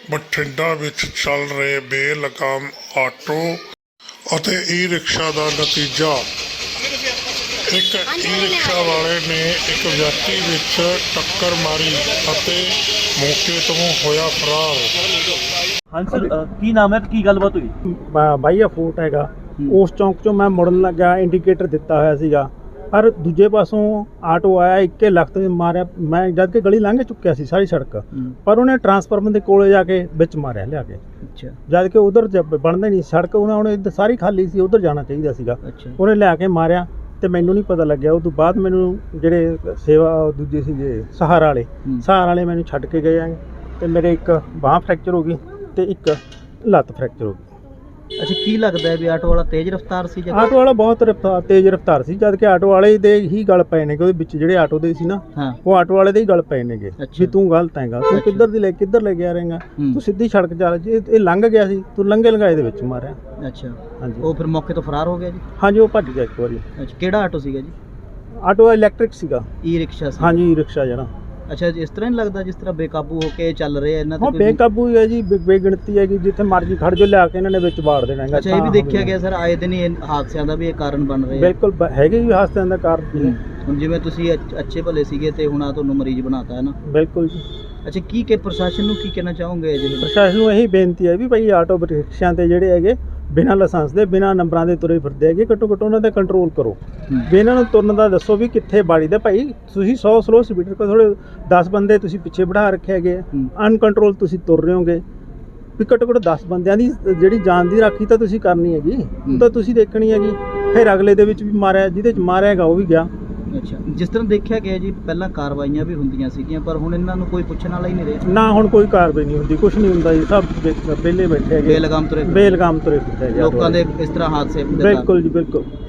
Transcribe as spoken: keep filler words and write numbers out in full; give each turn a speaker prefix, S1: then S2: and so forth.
S1: ਬਠਿੰਡਾ ਵਿੱਚ ਚੱਲ ਰਹੇ ਬੇਲਗਾਮ ਆਟੋ ਅਤੇ ਈ ਰਿਕਸ਼ਾ ਦਾ ਨਤੀਜਾ। ਇੱਕ ਈ ਰਿਕਸ਼ਾ ਵਾਲੇ ਨੇ ਇੱਕ ਵਿਅਕਤੀ ਵਿੱਚ ਟੱਕਰ ਮਾਰੀ ਅਤੇ ਮੌਕੇ ਤੋਂ ਹੋਇਆ ਫਰਾਰ।
S2: ਹਾਂਜੀ ਸਰ, ਅ, ਕੀ ਨਾਮ ਹੈ ਤੇ ਕੀ ਗੱਲਬਾਤ ਹੋਈ?
S3: ਬਾਈ ਆ ਫੋਟ ਹੈਗਾ, ਉਸ ਚੌਂਕ ਚੋਂ ਮੈਂ ਮੁੜਨ ਲੱਗਾ, ਇੰਡੀਕੇਟਰ ਦਿੱਤਾ ਹੋਇਆ ਸੀਗਾ, ਪਰ ਦੂਜੇ ਪਾਸੋਂ ਆਟੋ ਆਇਆ, ਇੱਕੇ ਲੱਖ ਮਾਰਿਆ। ਮੈਂ ਜਦ ਕਿ ਗਲੀ ਲੰਘ ਚੁੱਕਿਆ ਸੀ ਸਾਰੀ ਸੜਕ, ਪਰ ਉਹਨੇ ਟਰਾਂਸਫਾਰਮਰ ਦੇ ਕੋਲੇ ਜਾ ਕੇ ਵਿੱਚ ਮਾਰਿਆ ਲਿਆ ਕੇ।
S2: ਅੱਛਾ।
S3: ਜਦ ਕਿ ਉਧਰ ਬਣਦਾ ਨਹੀਂ ਸੜਕ, ਉਹਨਾਂ ਉਹਨੇ ਇੱਧਰ ਸਾਰੀ ਖਾਲੀ ਸੀ, ਉਧਰ ਜਾਣਾ ਚਾਹੀਦਾ ਸੀਗਾ। ਉਹਨੇ ਲਿਆ ਕੇ ਮਾਰਿਆ ਤੇ ਮੈਨੂੰ ਨਹੀਂ ਪਤਾ ਲੱਗਿਆ। ਉਸ ਤੋਂ ਬਾਅਦ ਮੈਨੂੰ ਜਿਹੜੇ ਸੇਵਾ ਦੂਜੇ ਸੀਗੇ ਸਹਾਰਾ ਵਾਲੇ ਸਹਾਰਾ ਵਾਲੇ ਮੈਨੂੰ ਛੱਡ ਕੇ ਗਏ ਆ ਤੇ ਮੇਰੇ ਇੱਕ ਬਾਂਹ ਫ੍ਰੈਕਚਰ ਹੋ ਗਈ ਤੇ ਇੱਕ ਲੱਤ ਫ੍ਰੈਕਚਰ ਹੋ ਗਈ।
S2: ਅੱਛਾ, ਕੀ ਲੱਗਦਾ ਹੈ ਵੀ ਆਟੋ ਵਾਲਾ ਤੇਜ਼ ਰਫ਼ਤਾਰ ਸੀ ਜਾਂ?
S3: ਆਟੋ ਵਾਲਾ ਬਹੁਤ ਰਫ਼ਤਾਰ ਤੇਜ਼ ਰਫ਼ਤਾਰ ਸੀ, ਜਦ ਕਿ ਆਟੋ ਵਾਲੇ ਦੇ ਹੀ ਗਲ ਪਏ ਨੇਗੇ। ਉਹਦੇ ਵਿੱਚ ਜਿਹੜੇ ਆਟੋ ਦੇ ਸੀ ਨਾ, ਉਹ ਆਟੋ ਵਾਲੇ ਦੇ ਹੀ ਗਲ ਪਏ ਨੇਗੇ ਵੀ ਤੂੰ ਗਲਤ ਹੈਗਾ, ਤੂੰ ਕਿੱਧਰ ਦੀ ਲੈ ਕਿੱਧਰ ਲੈ ਕੇ ਆ ਰਹੇਗਾ, ਤੂੰ ਸਿੱਧੀ ਸੜਕ ਚੱਲ। ਜੇ ਇਹ ਲੰਘ ਗਿਆ ਸੀ, ਤੂੰ ਲੰਘੇ ਲੰਘਾਏ ਦੇ ਵਿੱਚ ਮਾਰਿਆ।
S2: ਅੱਛਾ,
S3: ਹਾਂਜੀ।
S2: ਉਹ ਫਿਰ ਮੌਕੇ ਤੋਂ ਫਰਾਰ ਹੋ ਗਿਆ ਜੀ?
S3: ਹਾਂਜੀ, ਉਹ ਭੱਜ ਗਿਆ ਇੱਕ ਵਾਰੀ।
S2: ਅੱਛਾ, ਕਿਹੜਾ ਆਟੋ ਸੀਗਾ ਜੀ?
S3: ਆਟੋ ਇਲੈਕਟ੍ਰਿਕ ਸੀਗਾ।
S2: ਈ ਰਿਕਸ਼ਾ ਸੀ?
S3: ਹਾਂਜੀ, ਈ ਰਿਕਸ਼ਾ ਜਿਹੜਾ।
S2: ਅੱਛਾ, ਇਸ ਤਰ੍ਹਾਂ ਨਹੀਂ ਲੱਗਦਾ ਜਿਸ ਤਰ੍ਹਾਂ ਬੇਕਾਬੂ ਹੋ ਕੇ ਚੱਲ ਰਹੇ ਆ ਇਹਨਾਂ
S3: ਹਾਂ, ਬੇਕਾਬੂ ਹੀ ਹੈ ਜੀ, ਬੇਗਿਣਤੀ ਹੈਗੀ, ਜਿੱਥੇ ਮਰਜ਼ੀ ਖੜ ਜੋ, ਲਿਆ ਕੇ ਇਹਨਾਂ ਨੇ ਵਿੱਚ ਵਾੜ ਦੇਣਾ ਹੈਗਾ।
S2: ਅੱਛਾ, ਇਹ ਵੀ ਦੇਖਿਆ ਗਿਆ ਸਰ ਆਏ ਦਿਨ ਇਹ ਹਾਦਸਿਆਂ ਦਾ ਵੀ ਇਹ ਕਾਰਨ ਬਣ ਰਹੇ ਆ?
S3: ਬਿਲਕੁਲ ਹੈਗੇ ਜੀ ਹਾਦਸਿਆਂ ਦਾ ਕਾਰਨ।
S2: ਹੁਣ ਜਿਵੇਂ ਤੁਸੀਂ ਅੱਛੇ ਭਲੇ ਸੀਗੇ ਤੇ ਹੁਣ ਆ ਤੁਹਾਨੂੰ ਮਰੀਜ਼ ਬਣਾਤਾ ਹੈ ਨਾ?
S3: ਬਿਲਕੁਲ ਜੀ।
S2: ਅੱਛਾ, ਕੀ ਕਿ ਪ੍ਰਸ਼ਾਸਨ ਨੂੰ ਕੀ ਕਹਿਣਾ ਚਾਹੋਗੇ? ਜੀ
S3: ਪ੍ਰਸ਼ਾਸਨ ਨੂੰ ਇਹੀ ਬੇਨਤੀ ਹੈ ਵੀ ਭਾਈ ਆਟੋ ਰਿਕਸ਼ਿਆਂ ਤੇ ਜਿਹੜੇ ਹੈਗੇ ਬਿਨਾਂ ਲਾਇਸੈਂਸ ਦੇ ਬਿਨਾਂ ਨੰਬਰਾਂ ਦੇ ਤੁਰੇ ਫਿਰਦੇ ਹੈਗੇ, ਘੱਟੋ ਘੱਟ ਉਹਨਾਂ ਤੇ ਕੰਟਰੋਲ ਕਰੋ ਵੀ ਇਹਨਾਂ ਨੂੰ ਤੁਰਨ ਦਾ ਦੱਸੋ ਵੀ ਕਿੱਥੇ ਬਾੜੀ ਦਾ। ਭਾਈ ਤੁਸੀਂ ਸੌ ਸਲੋ ਸਪੀਡ ਕੋ ਥੋੜੇ ਦਸ ਬੰਦੇ ਤੁਸੀਂ ਪਿੱਛੇ ਬਿਠਾ ਰੱਖੇ ਹੈਗੇ, ਅਨਕੰਟਰੋਲ ਤੁਸੀਂ ਤੁਰ ਰਹੇ ਹੋਗੇ ਵੀ ਘੱਟੋ ਘੱਟ ਦਸ ਬੰਦਿਆਂ ਦੀ ਜਿਹੜੀ ਜਾਨ ਦੀ ਰਾਖੀ ਤਾਂ ਤੁਸੀਂ ਕਰਨੀ ਹੈਗੀ, ਉਹ ਤਾਂ ਤੁਸੀਂ ਦੇਖਣੀ ਹੈਗੀ। ਫਿਰ ਅਗਲੇ ਦੇ ਵਿੱਚ ਵੀ ਮਾਰਿਆ, ਜਿਹਦੇ 'ਚ ਮਾਰਿਆ ਹੈਗਾ ਉਹ ਵੀ ਗਿਆ।
S2: ਅੱਛਾ, ਜਿਸ ਤਰ੍ਹਾਂ ਦੇਖਿਆ ਗਿਆ ਜੀ ਪਹਿਲਾਂ ਕਾਰਵਾਈਆਂ ਵੀ ਹੁੰਦੀਆਂ ਸੀਗੀਆਂ, ਪਰ ਹੁਣ ਇਹਨਾਂ ਨੂੰ ਕੋਈ ਪੁੱਛਣ ਵਾਲਾ ਹੀ ਨਹੀਂ ਰਿਹਾ
S3: ਨਾ। ਹੁਣ ਕੋਈ ਕਾਰਵਾਈ ਨਹੀਂ ਹੁੰਦੀ, ਕੁਝ ਨਹੀਂ ਹੁੰਦਾ ਜੀ, ਸਭ ਵਿਹਲੇ ਬੈਠੇ ਹੈਗੇ,
S2: ਬੇਲਗਾਮ ਤੁਰੇ
S3: ਬੇਲਗਾਮ ਤੁਰੇ ਫਿਰਦੇ ਹੈਗੇ
S2: ਲੋਕਾਂ ਦੇ ਇਸ ਤਰ੍ਹਾਂ ਹਾਦਸੇ।
S3: ਬਿਲਕੁਲ ਜੀ, ਬਿਲਕੁਲ।